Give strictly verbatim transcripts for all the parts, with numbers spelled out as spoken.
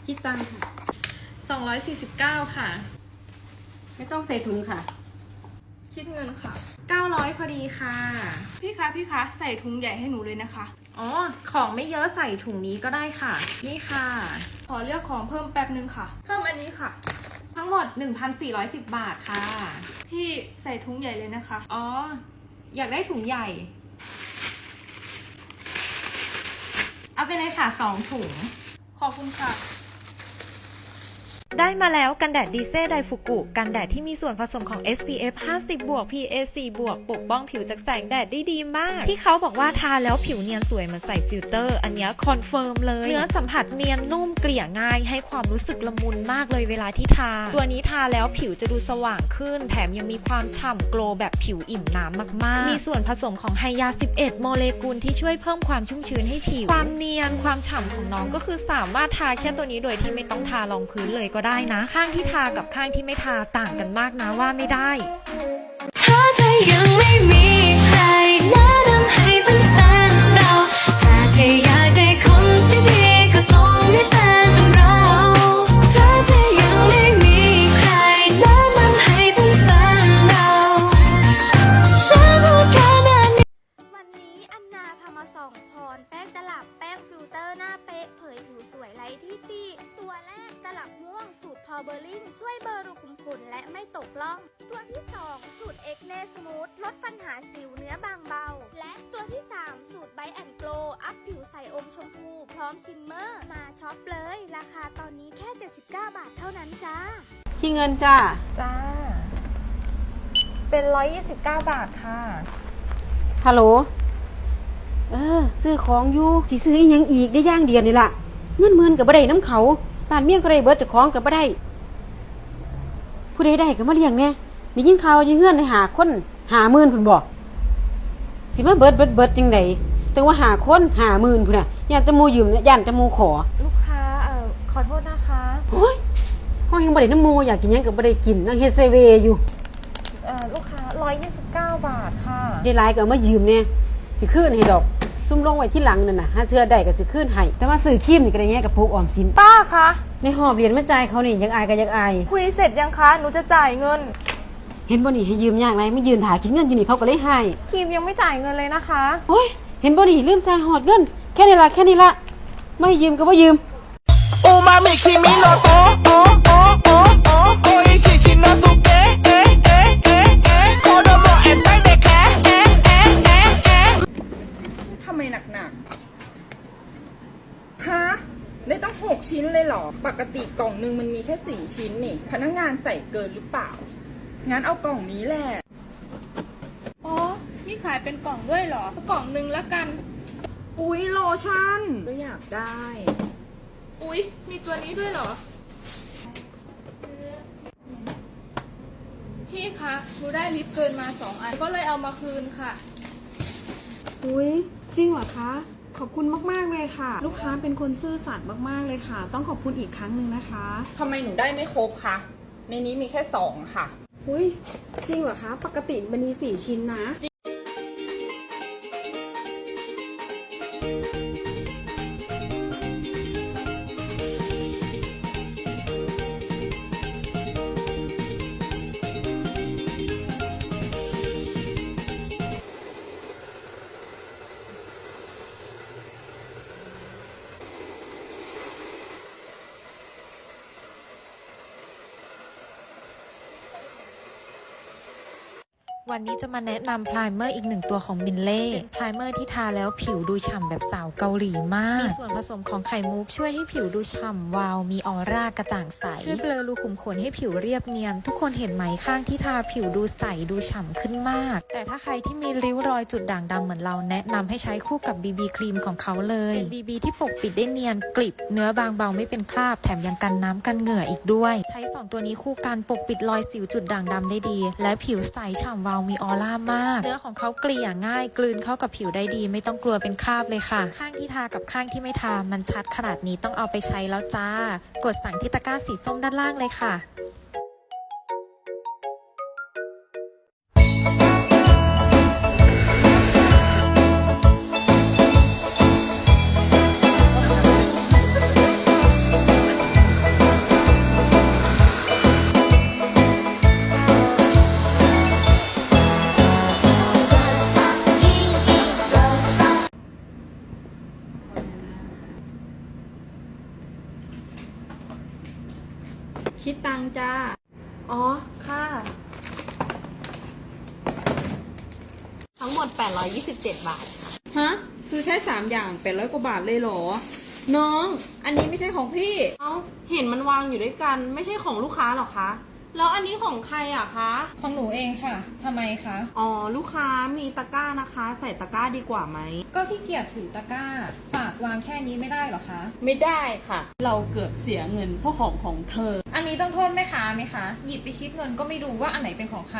คิดตังค่ะสองร้อยสี่สิบเก้าค่ะไม่ต้องใส่ถุงค่ะคิดเงินค่ะเก้าร้อยพอดีค่ะพี่คะพี่คะใส่ถุงใหญ่ให้หนูเลยนะคะอ๋อของไม่เยอะใส่ถุงนี้ก็ได้ค่ะนี่ค่ะขอเลือกของเพิ่มแป๊บนึงค่ะเพิ่มอันนี้ค่ะทั้งหมด หนึ่งพันสี่ร้อยสิบ บาทค่ะพี่ใส่ถุงใหญ่เลยนะคะอ๋ออยากได้ถุงใหญ่เอาไปเลยค่ะสองถุงขอบคุณค่ะได้มาแล้วกันแดดดีเซ่ไดฟุกุกันแดดที่มีส่วนผสมของ เอส พี เอฟ ห้าสิบ บวก พี เอ สี่ บวกปกป้องผิวจากแสงแดดได้ดีมากที่เขาบอกว่าทาแล้วผิวเนียนสวยเหมือนใส่ฟิลเตอร์อันนี้คอนเฟิร์มเลยเนื้อสัมผัสเนียนนุ่มเกลี่ยง่ายให้ความรู้สึกละมุนมากเลยเวลาที่ทาตัวนี้ทาแล้วผิวจะดูสว่างขึ้นแถมยังมีความฉ่ำโกลแบบผิวอิ่มน้ำมากๆมีส่วนผสมของไฮยาสิบเอ็ดโมเลกุลที่ช่วยเพิ่มความชุ่มชื้นให้ผิวความเนียนความฉ่ำของน้องก็คือสามารถทาแค่ตัวนี้โดยที่ไม่ต้องทารองพื้นเลยก็ได้นะข้างที่ทากับข้างที่ไม่ทาต่างกันมากนะว่าไม่ได้ถ้าเธอยังไม่มีใครแนะนำให้เป็นแฟนเราถ้าเธออยากได้คนที่ดีก็ต้องมีแฟนเป็นเราถ้าเธอยังไม่มีใครแนะนำให้เป็นแฟนเราฉันรู้แค่นั้นวันนี้อันนาพามาส่องพรแป้งตลับแป้งฟิลเตอร์หน้าเป๊ะเผยผิวสวยไร้ที่ติตัวแรกตลับม่วงสูตรพอเบอร์ลินช่วยเบลอรูขุมขนและไม่ตกล่องตัวที่สองสูตรเอ็กเนสมูทลดปัญหาสิวเนื้อบางเบาและตัวที่สามสูตรไบแอนโกลอัพผิวใสอมชมพูพร้อมชิมเมอร์มาช็อปเลยราคาตอนนี้แค่เจ็ดสิบเก้าบาทเท่านั้นจ้าที่เงินจ้าจ้าเป็นร้อยยี่สิบเก้าบาทค่ะฮัลโหลเออซื้อของอยู่สิซื้ออีหยังอีกได้ย่างเดียวนี่ล่ะเงินหมื่นกับบ่ได้น้ำเขาบ้านเมี่ยงก็ได้เบิดจากของกับบ่ได้ผู้ใดได้ก็มาเลี้ยงแน่ได้ยินข่าวอยู่เฮือนได้หาคนหาหมื่นพุ่นบ่สิมาเบิดเบิดเบิดจังได๋แต่ว่าหาคนหาหมื่นพุ่นน่ะย่านตะมูยืมย่านตะมูขอลูกค้าเอ่อขอโทษนะคะโอ้ยเฮายังบ่ได้น้ำมูอยากกินหยังก็บ่ได้กินนั่งเฮ็ดเซเวอยู่เอ่อลูกค้าร้อยยี่สิบเก้าบาทค่ะได้หลายก็เอามายืมแน่สิคืนให้ดอกซุ่มลงไว้ที่หลังนั่นน่ะหาเทื่อได้ก็สิคืนให้แต่ว่าซื้อครีมนี่ก็ได้แง่กับพวกออมสินป้าคะในหอบเหรียญมาจ่ายเขานี่ยังอายก็ยังอายคุยเสร็จยังคะหนูจะจ่ายเงินเห็นบ่นี่ให้ยืมยากไรไม่ยืนถ่ายคิดเงินอยู่นี่เขาก็เลยให้ครีมยังไม่จ่ายเงินเลยนะคะโอ้ยเห็นบ่นี่ลืมจ่ายหอดเงินแค่นี้ละแค่นี้ละไม่ยืมก็บ่ยืมอูมามิคิมิโนโตะโอโอโอโอโออิชิชิโนสุเกะเอะเอะเอะเอะโคโดโมเอนไตเดะแคะเอะเอะเอะเอะทำไมหนักๆฮะได้ต้องหกชิ้นเลยเหรอปกติกล่องนึงมันมีแค่สี่ชิ้นนี่พนักงานใส่เกินหรือเปล่างั้นเอากล่องนี้แหละอ๋อมีขายเป็นกล่องด้วยเหรอกล่องนึงละกันอุ๊ยโลชั่นก็อยากได้อุ๊ยมีตัวนี้ด้วยเหรอพี่คะหนูได้ลิปเกินมาสองอันก็เลยเอามาคืนค่ะอุ๊ยจริงเหรอคะขอบคุณมากๆเลยค่ะลูกค้าเป็นคนซื่อสัตย์มากๆเลยค่ะต้องขอบคุณอีกครั้งหนึ่งนะคะทำไมหนูได้ไม่ครบคะในนี้มีแค่สองค่ะอุ๊ยจริงเหรอคะปกติมันมีสี่ชิ้นนะวันนี้จะมาแนะนำพรายเมอร์อีกหนึ่งตัวของมินเล่พรายเมอร์ที่ทาแล้วผิวดูฉ่ำแบบสาวเกาหลีมากมีส่วนผสมของไข่มุกช่วยให้ผิวดูฉ่ำวาวมีออร่ากระจ่างใสช่วยเบลอรูขุมขนให้ผิวเรียบเนียนทุกคนเห็นไหมข้างที่ทาผิวดูใสดูฉ่ำขึ้นมากแต่ถ้าใครที่มีริ้วรอยจุดด่างดำเหมือนเราแนะนำให้ใช้คู่กับ บี บี ครีมของเขาเลยเป็น บี บี ที่ปกปิดได้เนียนกลิบเนื้อบางเบาไม่เป็นคราบแถมยังกันน้ำกันเหงื่ออีกด้วยใช้สองตัวนี้คู่กันปกปิดรอยสิวจุดด่างดำได้ดีและผิวใสฉ่ำวาวมีออร่ามากเนื้อของเขาเกลี่ยง่ายกลืนเข้ากับผิวได้ดีไม่ต้องกลัวเป็นคราบเลยค่ะข้างที่ทากับข้างที่ไม่ทามันชัดขนาดนี้ต้องเอาไปใช้แล้วจ้ากดสั่งที่ตะกร้าสีส้มด้านล่างเลยค่ะคิดตังค์จ้าอ๋อ ค่ะ ทั้งหมด แปดร้อยยี่สิบเจ็ด บาทค่ะฮะ ซื้อแค่สามอย่างแปดร้อยกว่าบาทเลยเหรอ น้อง อันนี้ไม่ใช่ของพี่เอ้า เห็นมันวางอยู่ด้วยกัน ไม่ใช่ของลูกค้าหรอคะ แล้วอันนี้ของใครอะคะของหนูเองค่ะทำไมคะอ๋อ ลูกค้ามีตะกร้านะคะ ใส่ตะกร้าดีกว่าไหมก็ขี้เกียจถือตะกร้า ฝากวางแค่นี้ไม่ได้เหรอคะไม่ได้ค่ะ เราเกือบเสียเงินเพราะของของเธออันนี้ต้องโทษแม่ค้าไหมคะ หยิบไปคิดเงินก็ไม่ดูว่าอันไหนเป็นของใคร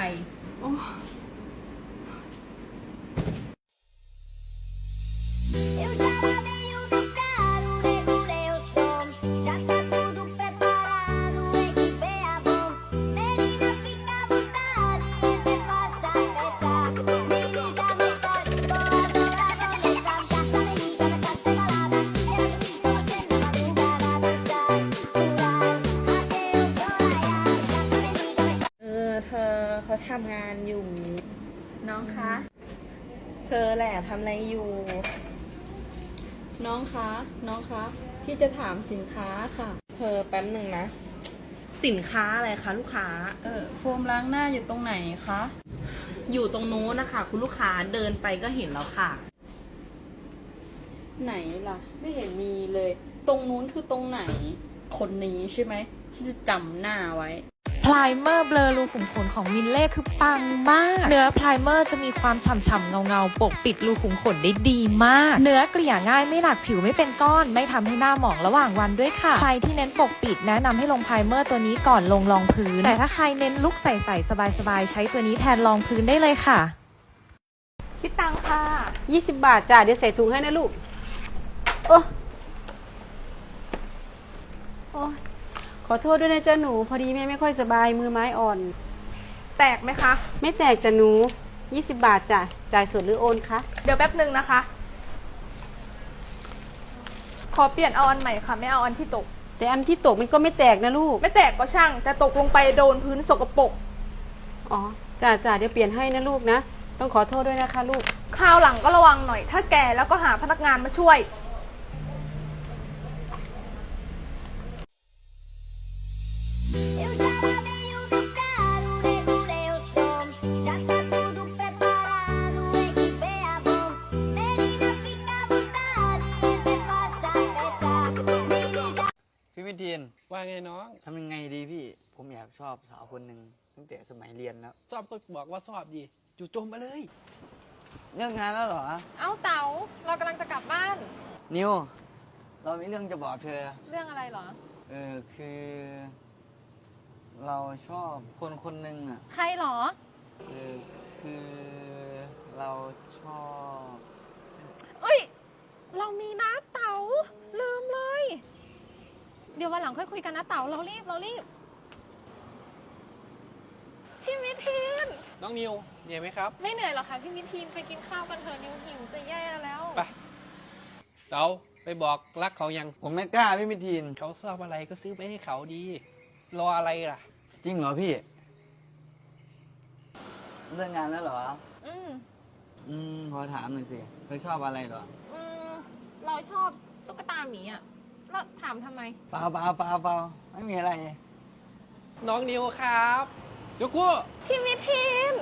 Eu já lavei o meu carro, regulei o som. Já tá tudo preparado, equipei a bom. Menina, fica à vontade, me faça festa. Me liga mais tarde, vou adorar começar. Já falei, liga mais tarde, tem balada. Quero curtir com você na madrugada, dançar, pular, até o sol raiar. Já falei, liga mais tarde. เออ เธอเขาทำงานอยู่ น้องคะ เธอแหละทำอะไรอยู่ น้องคะ น้องคะ พี่จะถามสินค้าค่ะ เธอแป๊บหนึ่งนะสินค้าอะไรคะลูกค้าเออ โฟมล้างหน้าอยู่ตรงไหนคะอยู่ตรงโน้นนะคะ คุณลูกค้าเดินไปก็เห็นแล้วค่ะไหนล่ะ ไม่เห็นมีเลย ตรงนู้นคือตรงไหน คนนี้ใช่ไหมฉันจะจำหน้าไว้พลายเมอร์เบลอรูขุมขนของมินเล่คือปังมาก เนื้อพลายเมอร์จะมีความฉ่ำๆเงาๆปกปิดรูขุมขนได้ดีมาก เนื้อเกลี่ยง่ายไม่หนักผิวไม่เป็นก้อน ไม่ทำให้หน้าหมองระหว่างวันด้วยค่ะ ใครที่เน้นปกปิดแนะนำให้ลงพลายเมอร์ตัวนี้ก่อนลงรองพื้น แต่ถ้าใครเน้นลุคใสๆสบายๆใช้ตัวนี้แทนรองพื้นได้เลยค่ะคิดตังค่ะยี่สิบบาทจ้ะ เดี๋ยวใส่ถุงให้นะลูก โอ้โอ้ขอโทษด้วยนะจ๊ะหนู พอดีแม่ไม่ค่อยสบายมือไม้อ่อนแตกไหมคะไม่แตกจ้ะหนู ยี่สิบบาทจ้ะ จ่ายสดหรือโอนคะเดี๋ยวแป๊บหนึ่งนะคะ ขอเปลี่ยนเอาอันใหม่ค่ะ ไม่เอาอันที่ตกแต่อันที่ตกมันก็ไม่แตกนะลูกไม่แตกก็ช่าง แต่ตกลงไปโดนพื้นสกปรกอ๋อ จ้ะจ้ะเดี๋ยวเปลี่ยนให้นะลูกนะ ต้องขอโทษด้วยนะคะลูกคราวหลังก็ระวังหน่อย ถ้าแก่แล้วก็หาพนักงานมาช่วย Eu já lavei o meu carro, regulei o som. Já tá tudo preparado, equipei a bom. Menina, fica à vontade, me faça festa. Me liga. พี่วิทีนว่าไงน้องทำยังไงดีพี่ ผมอยากชอบสาวคนหนึ่งตั้งแต่สมัยเรียนแล้วชอบก็บอกว่าชอบดีจู่โจมมาเลยเลิกงานแล้วเหรอเอ้าเต๋าเรากำลังจะกลับบ้านนิว เรามีเรื่องจะบอกเธอเรื่องอะไรเหรอเออคือ เราชอบคนคนหนึ่งอ่ะใครเหรอเออคือเราชอบเอ้ย เรามีนะเต๋าลืมเลย เดี๋ยววันหลังค่อยคุยกันนะเต๋าเรารีบเรารีบ พี่มิทีนน้องนิวเหนื่อยไหมครับไม่เหนื่อยหรอกค่ะพี่มิทีนไปกินข้าวกันเถอะนิวหิวจะแย่แล้วไปเต๋าไปบอกรักเขายังผมไม่กล้าพี่วิทีนเขาชอบอะไรก็ซื้อไปให้เขาดี รออะไรล่ะจริงเหรอพี่ เลิกงานแล้วเหรออืมอืมขอถามหน่อยสิ เธอชอบอะไรเหรออืมเราชอบตุ๊กตาหมีอ่ะแล้วถามทำไมเปล่าเปล่าเปล่าเปล่าไม่มีอะไรน้องนิวครับจุกุพี่มิทีน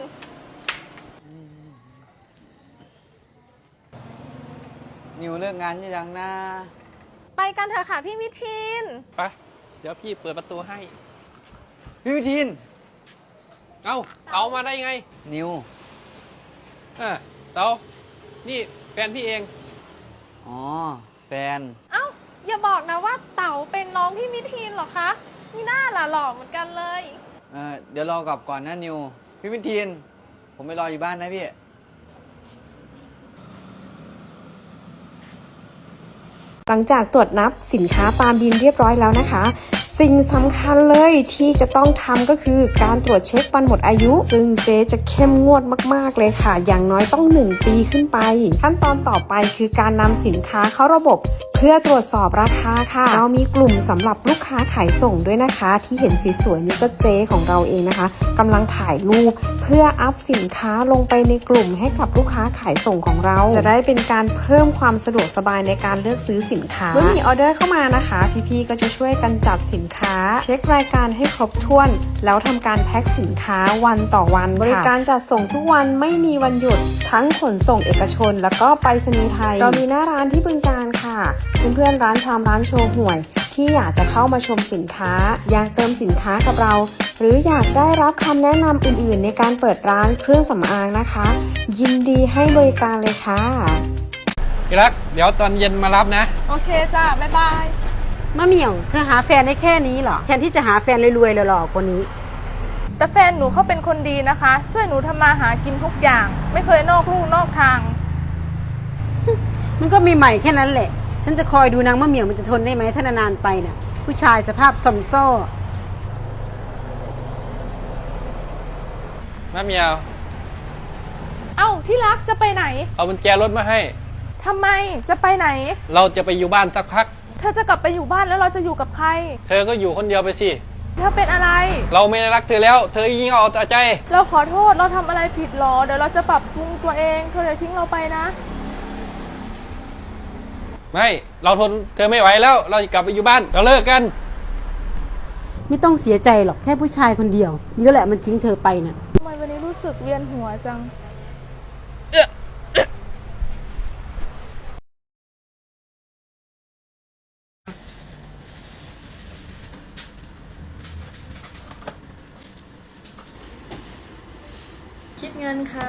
นิวเลิกงานยังนะไปกันเถอะค่ะพี่มิทีนไป เดี๋ยวพี่เปิดประตูให้พี่วิทีนเอ้าเต๋ามาได้ไงนิวอ่ะเต๋านี่แฟนพี่เองอ๋อ แฟนเอ้าอย่าบอกนะว่าเต๋าเป็นน้องพี่มิทีนเหรอคะมีหน้าล่ะหล่อเหมือนกันเลยเออเดี๋ยวรอกลับก่อนนะนิว พี่วิทีน ผมไปรออยู่บ้านนะพี่หลังจากตรวจนับสินค้าตามบินเรียบร้อยแล้วนะคะ สิ่งสำคัญเลยที่จะต้องทำก็คือการตรวจเช็ควันหมดอายุ ซึ่งเจ๊จะเข้มงวดมากๆเลยค่ะ อย่างน้อยต้องหนึ่งปีขึ้นไป ขั้นตอนต่อไปคือการนำสินค้าเข้าระบบ เพื่อตรวจสอบราคาค่ะเรามีกลุ่มสำหรับลูกค้าขายส่งด้วยนะคะ ที่เห็นสีสวยนี่ก็เจ๊ของเราเองนะคะกำลังถ่ายรูปเพื่ออัพสินค้าลงไปในกลุ่มให้กับลูกค้าขายส่งของเราจะได้เป็นการเพิ่มความสะดวกสบายในการเลือกซื้อสินค้าเมื่อมีออเดอร์เข้ามานะคะพี่ๆก็จะช่วยกันจัดสินค้าเช็ครายการให้ครบถ้วนแล้วทำการแพ็คสินค้าวันต่อวันบริการจัดส่งทุกวันไม่มีวันหยุดทั้งขนส่งเอกชนแล้วก็ไปรษณีย์ไทยเรามีหน้าร้านที่บึงกาฬค่ะเพื่อนๆร้านชามร้านโชว์ห่วยที่อยากจะเข้ามาชมสินค้าอยากเติมสินค้ากับเราหรืออยากได้รับคำแนะนำอื่นๆในการเปิดร้านเครื่องสำอางนะคะยินดีให้บริการเลยค่ะที่รักเดี๋ยวตอนเย็นมารับนะโอเคจ้าบ๊ายบายมะเหมี่ยวเธอหาแฟนได้แค่นี้เหรอแทนที่จะหาแฟนรวยๆหล่อๆกว่านี้แต่แฟนหนูเขาเป็นคนดีนะคะ ช่วยหนูทำมาหากินทุกอย่าง ไม่เคยนอกลู่นอกทางมันก็มีใหม่แค่นั้นแหละฉันจะคอยดูนางมะเหมี่ยวมันจะทนได้ไหมถ้านานๆไปน่ะผู้ชายสภาพซอมโซ่มะเหมียวเอ้าที่รักจะไปไหนเอากุญแจรถมาให้ทำไมจะไปไหนเราจะไปอยู่บ้านสักพักเธอจะกลับไปอยู่บ้านแล้วเราจะอยู่กับใครเธอก็อยู่คนเดียวไปสิเธอเป็นอะไรเราไม่ได้รักเธอแล้ว เธอยิ่งเอาแต่ใจเราขอโทษเราทำอะไรผิดหรอเดี๋ยวเราจะปรับปรุงตัวเองเธออย่าทิ้งเราไปนะไม่ เราทนเธอไม่ไหวแล้ว เราจะกลับไปอยู่บ้าน เราเลิกกันไม่ต้องเสียใจหรอกแค่ผู้ชายคนเดียวนี่แหละมันทิ้งเธอไปน่ะทำไมวันนี้รู้สึกเวียนหัวจังคิดเงินค่ะ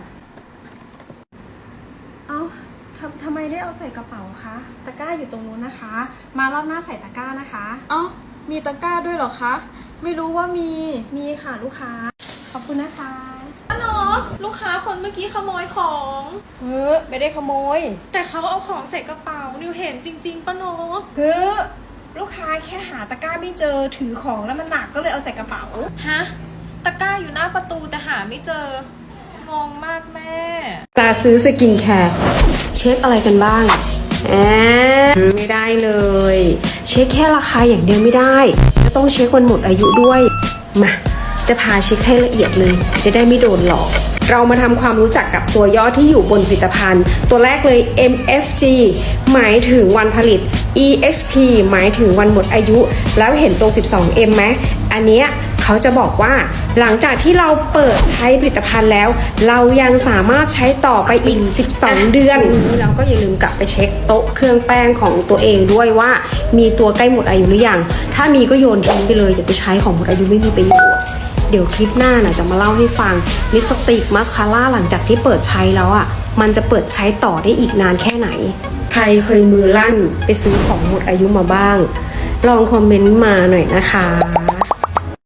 เอาทำทำไมได้เอาใส่กระเป๋าคะตะกร้าอยู่ตรงนู้นนะคะ มารอบหน้าใส่ตะกร้านะคะเอ้ามีตะกร้าด้วยเหรอคะไม่รู้ว่ามีมีค่ะลูกค้าขอบคุณนะคะป้านกลูกค้าคนเมื่อกี้ขโมยของเฮ้อไม่ได้ขโมยแต่เขาเอาของใส่กระเป๋านิวเห็นจริงๆป้านกเฮ้อลูกค้าแค่หาตะกร้าไม่เจอถือของแล้วมันหนักก็เลยเอาใส่กระเป๋าฮะตะกร้าอยู่หน้าประตูแต่หาไม่เจอ งงมากแม่ตาซื้อสกินแคร์เช็คอะไรกันบ้างแอบไม่ได้เลย เช็คแค่ราคาอย่างเดียวไม่ได้จะต้องเช็ควันหมดอายุด้วยมาจะพาเช็คให้ละเอียดเลย จะได้ไม่โดนหลอก เรามาทำความรู้จักกับตัวย่อที่อยู่บนผลิตภัณฑ์ ตัวแรกเลย เอ็ม เอฟ จี หมายถึงวันผลิต อี เอ็กซ์ พี หมายถึงวันหมดอายุ แล้วเห็นตรง สิบสอง เอ็ม ไหมอันเนี้ยเขาจะบอกว่าหลังจากที่เราเปิดใช้ผลิตภัณฑ์แล้ว เรายังสามารถใช้ต่อไปอีก สิบสอง เดือนแล้วก็อย่าลืมกลับไปเช็คโต๊ะเครื่องแป้งของตัวเองด้วยว่ามีตัวใกล้หมดอายุหรือยังถ้ามีก็โยนทิ้งไปเลยอย่าไปใช้ของหมดอายุไม่มีประโยชน์เดี๋ยวคลิปหน้าน่ะจะมาเล่าให้ฟังลิปสติกมัสคาร่าหลังจากที่เปิดใช้แล้วอ่ะมันจะเปิดใช้ต่อได้อีกนานแค่ไหนใครเคยมือลั่นไปซื้อของหมดอายุมาบ้างลองคอมเมนต์มาหน่อยนะคะ